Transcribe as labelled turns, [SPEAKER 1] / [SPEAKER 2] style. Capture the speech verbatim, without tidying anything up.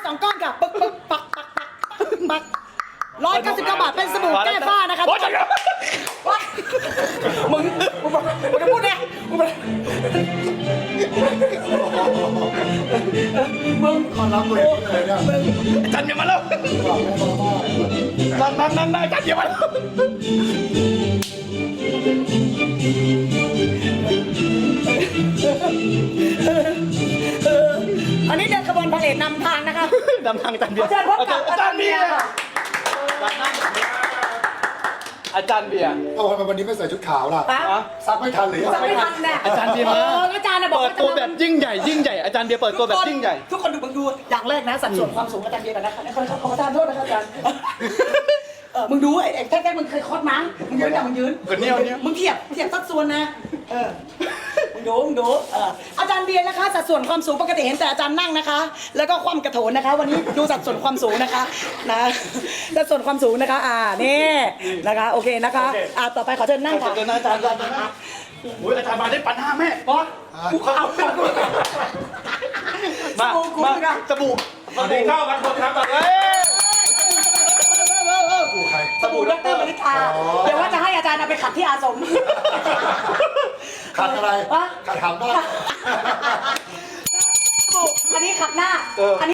[SPEAKER 1] สองก้อนค่ะปึ๊กปึ๊กปักปักปักปักร้อยเก้าสิบเก้าบาทเป็นสบู่แก้ฝ้านะคะมึงมึงบอกมึงจะพูดไงมึงมึงขอรับเลยอาจารย์เบียร์มาแล้วนั่นนั่นนั่นอาจารย์เบียร์มาแล้วอันนี้เดินขบวนพาเหรดนำทางนะคะนำทางอาจารย์เบียร์อาจารย์เบียร์อาจารย์เบียร์
[SPEAKER 2] เอาทำไมวันนี้ไม่ใส่ชุดขาวล่ะซักไม่ทันหรือ
[SPEAKER 1] ซักไม่ทันแน่
[SPEAKER 3] อาจารย์เบียร์มา
[SPEAKER 1] อาจารย์บอก
[SPEAKER 3] เปิดตัวแบบยิ่งใหญ่ยิ่งใหญ่อาจารย์เบียร์เปิดตัวแบบยิ่งใหญ่
[SPEAKER 1] ทุกคนดูมึงดูอย่างแรกนะสัดส่วนความสูงอาจารย์เบียร์กันนะคะขอขอประทานโทษนะครับอาจารย์เออมึงดูไอ้ไอ้แท้ๆมึงเคยคอดมั้งมึงยืนอย่างมึงยืนมึงเทียบเทียบสัดส่วนนะเออมึงดูมึงดูเอออาจารย์เบียร์นะคะสัดส่วนความสูงปกติเห็นแต่อาจารย์นั่งนะคะ แล้วก็ความกระโถนนะคะ วันนี้ดูสัดส่วนความสูงนะคะนะสัดส่วนความสูงนะคะอ่านี่นะคะโอเคนะคะอ่าต่อไปขอเชิญนั่งค่ะ
[SPEAKER 3] เดินอาจารย์อาจารย์โอ้ยอาจารย์มาได้ปันห้าแม่บอส
[SPEAKER 1] กูเอา
[SPEAKER 3] มามาสบู่สบู่เข้ากันคนครับเฮ้ย
[SPEAKER 1] สบู่ดรมณิธาเดี๋ยวว่าจะให้อาจารย์เอาไปขัดที่อาสม
[SPEAKER 2] ขัดอะไร
[SPEAKER 1] วะ
[SPEAKER 2] ขัดขำได้
[SPEAKER 1] สบู่อันนี้ขัดหน้าอันนี้